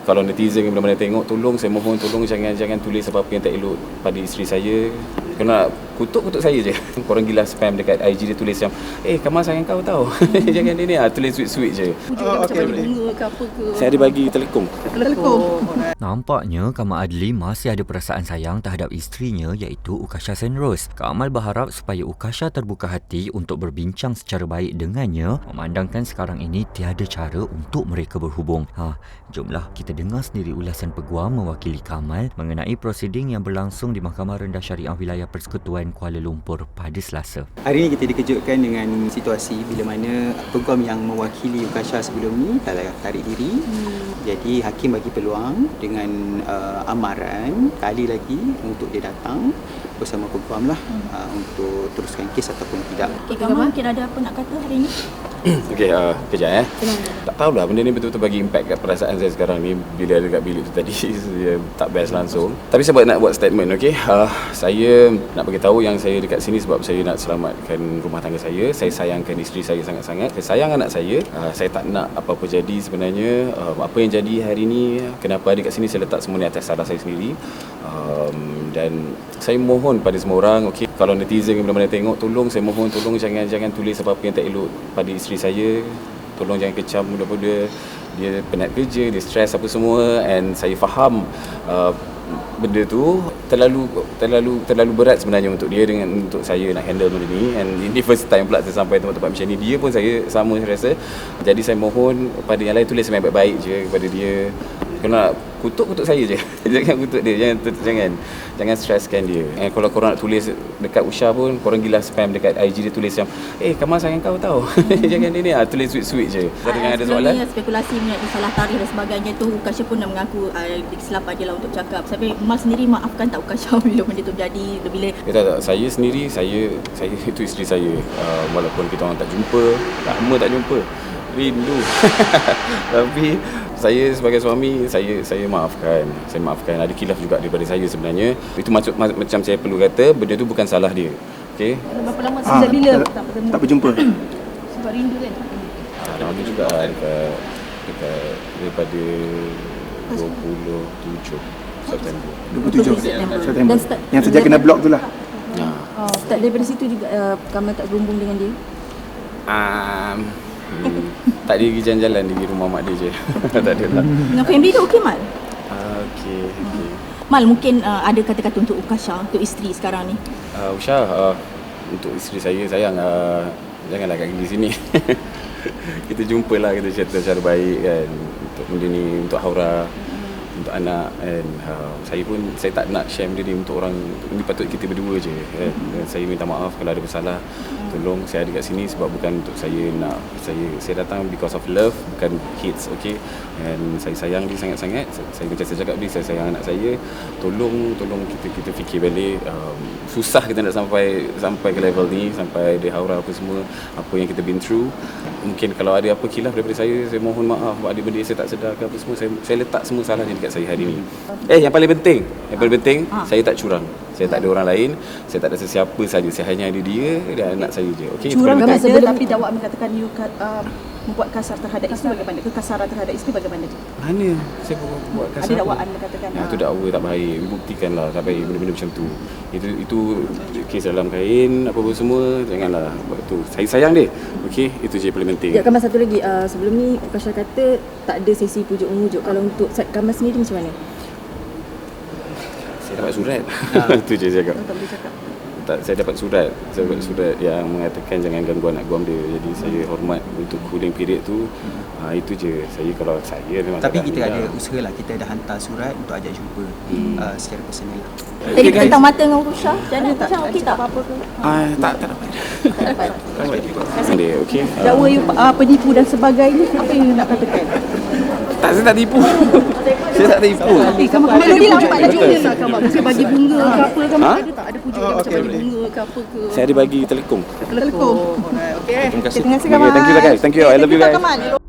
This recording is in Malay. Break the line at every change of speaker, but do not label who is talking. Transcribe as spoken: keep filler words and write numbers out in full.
kalau netizen yang mana-mana tengok, tolong saya mohon tolong jangan jangan tulis apa-apa yang tak elok pada isteri saya. Kena kutuk kutuk saya je. Korang gila spam dekat I G dia tulis yang eh Kamal sayang kau tau. Jangan dia ni ah tulis sweet-sweet je.
Oh, okay, macam bunga ke apa ke.
Saya ada bagi telekung.
Telekung.
Nampaknya Kamal Adli masih ada perasaan sayang terhadap isterinya iaitu Ukasha Senrose. Kamal berharap supaya Ukasha terbuka hati untuk berbincang secara baik dengannya, memandangkan sekarang ini tiada cara untuk mereka berhubung. Ha, jomlah kita dengar sendiri ulasan peguam mewakili Kamal mengenai prosiding yang berlangsung di Mahkamah Rendah Syariah Wilayah Persekutuan Kuala Lumpur pada Selasa.
Hari ini kita dikejutkan dengan situasi bila mana peguam yang mewakili Ukasha sebelum ni telah tarik diri. Hmm. Jadi hakim bagi peluang dengan uh, amaran kali lagi untuk dia datang bersama peguam lah hmm. uh, untuk teruskan kes ataupun tidak.
Okay, Kamal mungkin ada apa nak kata hari ini?
Okey, uh, kejap eh. Tak tahulah benda ni betul-betul bagi impact kat perasaan saya sekarang ni bila dekat bilik tu tadi. Dia tak best langsung. Tapi saya buat nak buat statement, okey. Uh, saya nak bagi tahu yang saya dekat sini sebab saya nak selamatkan rumah tangga saya. Saya sayangkan isteri saya sangat-sangat. Saya sayang anak saya. Uh, saya tak nak apa-apa jadi sebenarnya. Uh, apa yang jadi hari ni, kenapa ada kat sini saya letak semua ni atas salah saya sendiri. Um, dan saya mohon pada semua orang, okey, kalau netizen yang mana-mana tengok, tolong saya mohon tolong jangan jangan tulis apa-apa yang tak elok pada isteri saya. Tolong jangan kecam muda-muda. Dia penat kerja, dia stres apa semua, and saya faham uh, benda tu terlalu terlalu terlalu berat sebenarnya untuk dia dengan untuk saya nak handle benda ni. And ini first time pula saya sampai tempat-tempat macam ni. Dia pun saya sama saya rasa. Jadi saya mohon pada yang lain tulis yang baik-baik je kepada dia. Kena kutuk-kutuk saya je. Jangan kutuk dia, jangan jangan jangan streskan dia. Eh, kalau korang nak tulis dekat Usha pun, korang gila spam dekat I G dia tulis yang eh Kamal sayang kau tau. Jangan dia ni ah tulis sweet-sweet je. Kalau
uh,
ada soalan,
spekulasi mengenai salah tarikh dan sebagainya tu, Ukasha pun dah mengaku uh, kesilapan dia lah untuk cakap. Tapi Mal sendiri maafkan tak Ukasha bila benda tu berjadi, bila
ya, tak, tak, saya sendiri saya saya itu isteri saya. Uh, walaupun kita orang tak jumpa, lama tak jumpa, rindu. Tapi saya sebagai suami, saya saya maafkan. Saya maafkan. Ada khilaf juga daripada saya sebenarnya. Itu maksud macam saya perlu kata, benda tu bukan salah dia. Okey.
Berapa lama sejak bila
tak,
tak bertemu?
Tak berjumpa.
Sebab rindu kan.
Lama juga dekat dekat daripada dua puluh tujuh September.
dua puluh tujuh September.
Dan start,
yang sejak kena blok tu lah.
Ha.
Oh, start daripada situ juga uh, Kamal tak berhubung dengan dia.
Um, hmm, tak ada pergi jalan-jalan di rumah mak dia je. Tak ada lah.
Dengan family tu okey Mal?
Uh, okey, okey.
Mal, mungkin uh, ada kata-kata untuk Ukasha, untuk isteri sekarang ni.
Uh, Usha, uh, untuk isteri saya, sayang uh, janganlah kat di sini. Kita jumpalah, kita cerita secara baik kan, untuk benda ni, untuk Haura, untuk anak, and uh, saya pun saya tak nak share benda ni untuk orang. Ini patut kita berdua je kan? Dan saya minta maaf kalau ada bersalah. Tolong, saya ada kat sini sebab bukan untuk saya nak, saya saya datang because of love, bukan hates, okey. Dan saya sayang dia sangat-sangat. Saya, saya macam saya cakap dia, saya sayang anak saya. Tolong, tolong kita kita fikir balik. Um, susah kita nak sampai sampai ke level ni, sampai dia Haura apa semua, apa yang kita been through. Mungkin kalau ada apa khilaf daripada saya, saya mohon maaf. Ada benda yang saya tak sedar ke apa semua, saya saya letak semua salahnya dekat saya hari ni. Eh, yang paling penting, yang paling penting, ha. saya tak curang. Saya tak ada orang lain, saya tak ada sesiapa saja. Saya hanya ada dia dan anak saya je. Okey.
Curang kan sebelum tapi dakwaan mengatakan you uh, membuat kasar terhadap isteri, bagaimana? Kekasaran terhadap isteri bagaimana?
Mana saya buat kasar?
Ada dakwaan mengatakan.
Ya, itu dakwa tak baik. Buktikanlah tak baik benda-benda macam tu. Itu itu kes dalam kain apa-apa semua, janganlah buat tu. Saya sayang dia. Okey, itu je paling penting.
Ya, Kamal satu lagi. Uh, sebelum ni Ukasha kata tak ada sesi pujuk memujuk. Kalau untuk Kamal sendiri macam mana?
Saya dapat surat. Ha. Itu je saya cakap.
Tak boleh cakap.
Tak, saya dapat surat. Saya dapat surat yang mengatakan jangan ganggu anak guam dia. Jadi saya hormat untuk cooling period tu. Ha, itu je. Saya kalau saya memang.
Tapi kita ada usaha lah. Kita ada hantar surat untuk ajak jumpa hmm. uh, secara personal lah.
Tadi okay, tentang mata dengan Ukasha, jadi Ukasha okey tak?
Apa-apa ke?
Ah, tak, tak dapat.
Tak dapat.
Dia okey.
Dakwa you uh, penipu dan sebagainya, apa yang you nak katakan?
Tak, saya tak tipu. Saya tak tipu.
Kamu kamu dia nampak lagi dia nak kamu mesti bagi bunga ke apa ke,
Ha?
ada tak ada pujuk dia macam bagi bunga ke apa ke?
Saya ada bagi telekung.
Telekung. Okey.
Terima kasih.
Terima kasih
Okay,
Kamal.
thank you guys. Thank you. I love you guys.
Kamal.